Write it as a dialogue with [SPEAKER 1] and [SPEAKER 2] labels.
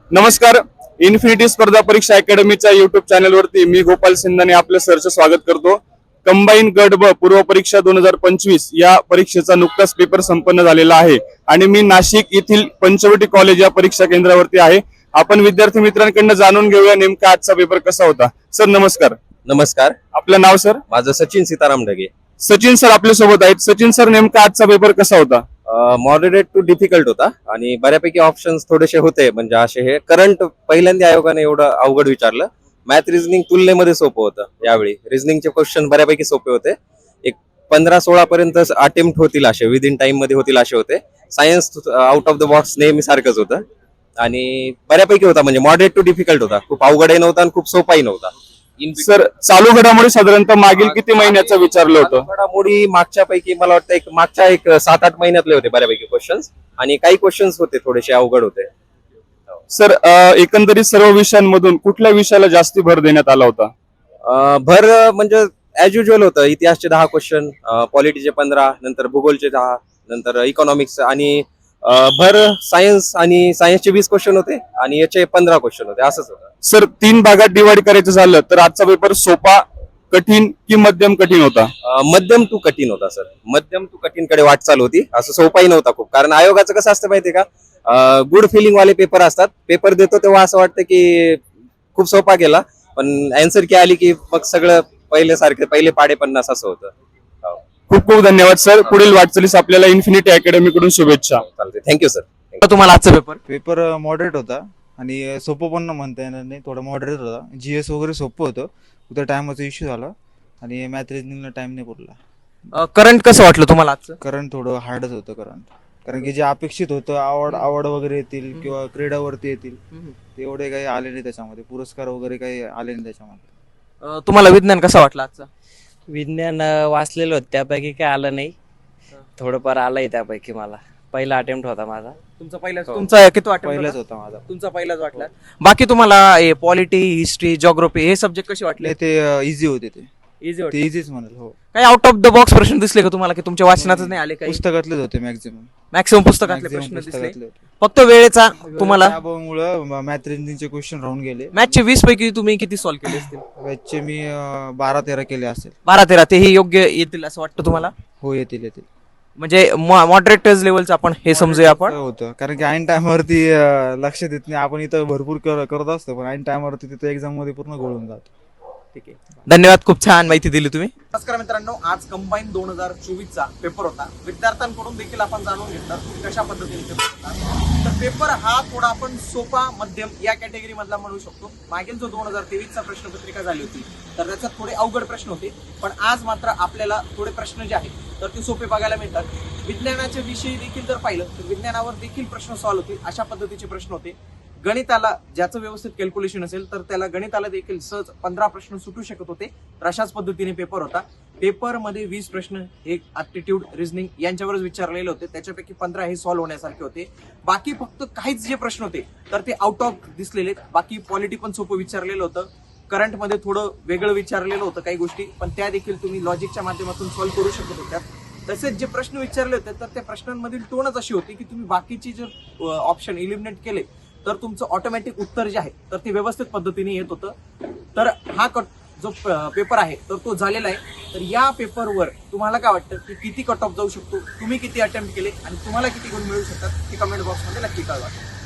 [SPEAKER 1] नमस्कार. इन्फिनिटी स्पर्धा परीक्षा अकॅडमीच्या युट्यूब चॅनलवरती मी गोपाल सिंधाने आपलं सरचं स्वागत करतो. कंबाईन गट ब पूर्व परीक्षा 2025 या परीक्षेचा नुकताच पेपर संपन्न झालेला आहे आणि मी नाशिक येथील पंचवटी कॉलेज या परीक्षा केंद्रावरती आहे. आपण विद्यार्थी मित्रांकडून जाणून घेऊया नेमका आजचा पेपर कसा होता. सर नमस्कार.
[SPEAKER 2] नमस्कार.
[SPEAKER 1] आपलं नाव सर?
[SPEAKER 2] माझं सचिन सीताराम ढगे.
[SPEAKER 1] सचिन सर आपल्या सोबत आहेत. सचिन सर नेमका आजचा पेपर कसा होता?
[SPEAKER 2] मॉडरेट टू डिफिकल्ट होता आणि बऱ्यापैकी ऑप्शन्स थोडेसे होते, म्हणजे असे हे करंट पहिल्यांदा आयोगाने एवढं अवघड विचारलं. मॅथ रिझनिंग तुलनेमध्ये सोपं होतं. यावेळी रिझनिंगचे क्वेश्चन बऱ्यापैकी सोपे होते. एक 15-16 पर्यंत अटेम्प्ट होतील असे, विदिन टाइम मध्ये होतील असे होते. Science out of the box नेहमी सारखंच होतं आणि बऱ्यापैकी होता, म्हणजे मॉडरेट टू डिफिकल्ट होता. खूप अवघडही नव्हता आणि खूप सोपाही नव्हता.
[SPEAKER 1] सर चालू घडामोडी साधारणतः मागील किती महिन्याचं विचारलं होतं?
[SPEAKER 2] घडामोडी मागच्या पैकी मला वाटतं मागच्या 7-8 महिन्यातले होते बऱ्यापैकी क्वेश्चन्स, आणि काही क्वेश्चन्स होते थोडेसे अवघड होते.
[SPEAKER 1] सर एकंदरीत सर्व विषयांमधून कुठल्या विषयाला जास्ती भर देण्यात आला होता?
[SPEAKER 2] भर म्हणजे ऍज युजल होतं. इतिहासचे 10 क्वेश्चन, पॉलिटीचे 15, नंतर भूगोलचे 10, नंतर इकॉनॉमिक्स, आणि भर सायन्स आणि सायन्सचे 20 क्वेश्चन होते आणि याचे 15 क्वेश्चन होते. असंच होतं.
[SPEAKER 1] सर 3 भागात डिवाइड करायचं झालं तर आजचा पेपर सोपा, कठीण की मध्यम कठीण होता?
[SPEAKER 2] मध्यम टू कठीण होता सर. मध्यम टू कठीण कडे वाटचाल होती. असं सोपाही नव्हता खूप, कारण आयोगाचं कसं असतं माहितीये का, गुड फिलिंग वाले पेपर असतात. पेपर देतो तेव्हा असं वाटतं की खूप सोपा गेला, पण अँसर की आली की मग सगळं पहिले पाडे 50 असं होतं.
[SPEAKER 1] खूप खूप धन्यवाद सर. पुढील वाटचालीस आपल्याला इन्फिनिटी अकॅडमी कडून शुभेच्छा.
[SPEAKER 2] चालते. Thank you sir.
[SPEAKER 3] तुम्हाला आजचा
[SPEAKER 4] पेपर मॉडरेट होता आणि सोपं पण म्हणता येणार नाही, थोडा मॉडरेट होता. जीएस वगैरे सोपं होतं, उद्या टायमाचा इश्यू झाला आणि मॅथ रिजनिंगला टाइम नाही पुरला.
[SPEAKER 3] करंट कसं वाटलं तुम्हाला आजचं?
[SPEAKER 4] करंट थोडं हार्डच होतं करंट, कारण की जे अपेक्षित होतं आवड वगैरे येतील किंवा क्रीडावरती येतील ते एवढे काही आले नाही. त्याच्यामध्ये पुरस्कार वगैरे काही आले नाही त्याच्यामध्ये.
[SPEAKER 3] तुम्हाला विज्ञान कसं वाटलं आजचं?
[SPEAKER 5] विज्ञान वाचलेलं होतं, त्यापैकी काय आलं नाही. थोडंफार आलंय त्यापैकी. मला पहिला अटेम्प्ट होता माझा.
[SPEAKER 3] तुमचा किती वाटलं?
[SPEAKER 4] पहिलाच होता माझा.
[SPEAKER 3] तुमचा पहिलाच वाटला. बाकी तुम्हाला पॉलिटी, हिस्ट्री, जिओग्राफी हे सब्जेक्ट कसे वाटले?
[SPEAKER 4] ते इझी होते. ते
[SPEAKER 3] इझी
[SPEAKER 4] ते
[SPEAKER 3] होते.
[SPEAKER 4] इझीच म्हणाल. हो,
[SPEAKER 3] काही आउट ऑफ द बॉक्स प्रश्न दिसले का तुम्हाला, की तुमच्या वाचनातच नाही आले? काही
[SPEAKER 4] पुस्तकातलेच होते मॅक्झिमम.
[SPEAKER 3] मॅक्सिमम पुस्तकातले प्रश्न दिसले.
[SPEAKER 4] पुस्तकातले होते.
[SPEAKER 3] फक्त वेळेचा तुम्हाला
[SPEAKER 4] त्यामुळे मॅथ रिजनिंगचे क्वेश्चन राहून गेले.
[SPEAKER 3] मॅथचे 20 पैकी तुम्ही किती सॉल्व्ह केले असतील?
[SPEAKER 4] मॅथचे मी 12-13 केले असेल.
[SPEAKER 3] 12-13 तेही योग्य येतील असं वाटतं तुम्हाला?
[SPEAKER 4] हो, येतील.
[SPEAKER 3] म्हणजे मॉडरेटर्स लेवलचं आपण हे समजूया आपण.
[SPEAKER 4] होतं, कारण की ऐन टायमावरती लक्ष देत नाही. आपण इथं भरपूर करत असतो, पण ऐन टायमावरती तिथं एक्झाम मध्ये पूर्ण घोळून जातो.
[SPEAKER 3] ठीक आहे, धन्यवाद. खूप छान माहिती दिली तुम्ही.
[SPEAKER 6] नमस्कार मित्रांनो, आज कंबाईन 2024 पेपर होता. विद्यार्थ्यांकडून देखील आपण जाणून घेतलं की कशा पद्धतीने पेपर होता. तर पेपर हा थोडा आपण सोपा, मध्यम या कॅटेगरी मधला म्हणू शकतो. मागील जो 2023 प्रश्नपत्रिका झाली होती तर त्याच्यात थोडे अवघड प्रश्न होते, पण आज मात्र आपल्याला थोडे प्रश्न जे आहेत तर ते सोपे बघायला मिळतात. विज्ञानाच्या विषयी देखील जर पाहिलं तर विज्ञानावर देखील प्रश्न सॉल्व्ह होतील अशा पद्धतीचे प्रश्न होते. गणिताला ज्याचं व्यवस्थित कॅल्क्युलेशन असेल तर त्याला गणिताला देखील सहज 15 प्रश्न सुटू शकत होते. तर अशाच पद्धतीने पेपर होता. पेपरमध्ये 20 प्रश्न एक ऍप्टिट्यूड, रिझनिंग यांच्यावरच विचारलेले होते. त्याच्यापैकी 15 हे सॉल्व्ह होण्यासारखे होते. बाकी फक्त काहीच जे प्रश्न होते तर ते आउट ऑफ दिसलेले. बाकी पॉलिटी पण सोपं विचारलेलं होतं. करंटमध्ये थोडं वेगळं विचारलेलं होतं काही गोष्टी, पण त्या देखील तुम्ही लॉजिकच्या माध्यमातून सॉल्व्ह करू शकत होत्या. तसेच जे प्रश्न विचारले होते तर त्या प्रश्नांमधील टोनच अशी होती की तुम्ही बाकीचे जर ऑप्शन इलिमिनेट केले तर तुमचं ऑटोमॅटिक उत्तर जे आहे तर ते व्यवस्थित पद्धतीने येत होतं. तर हा जो पेपर आहे तर तो झालेला आहे. तर या पेपरवर तुम्हाला काय वाटतं की किती कट ऑफ जाऊ शकतो, तुम्ही किती अटेम्प्ट केले आणि तुम्हाला किती गुण मिळू शकतात हे कमेंट बॉक्समध्ये नक्की कळवा.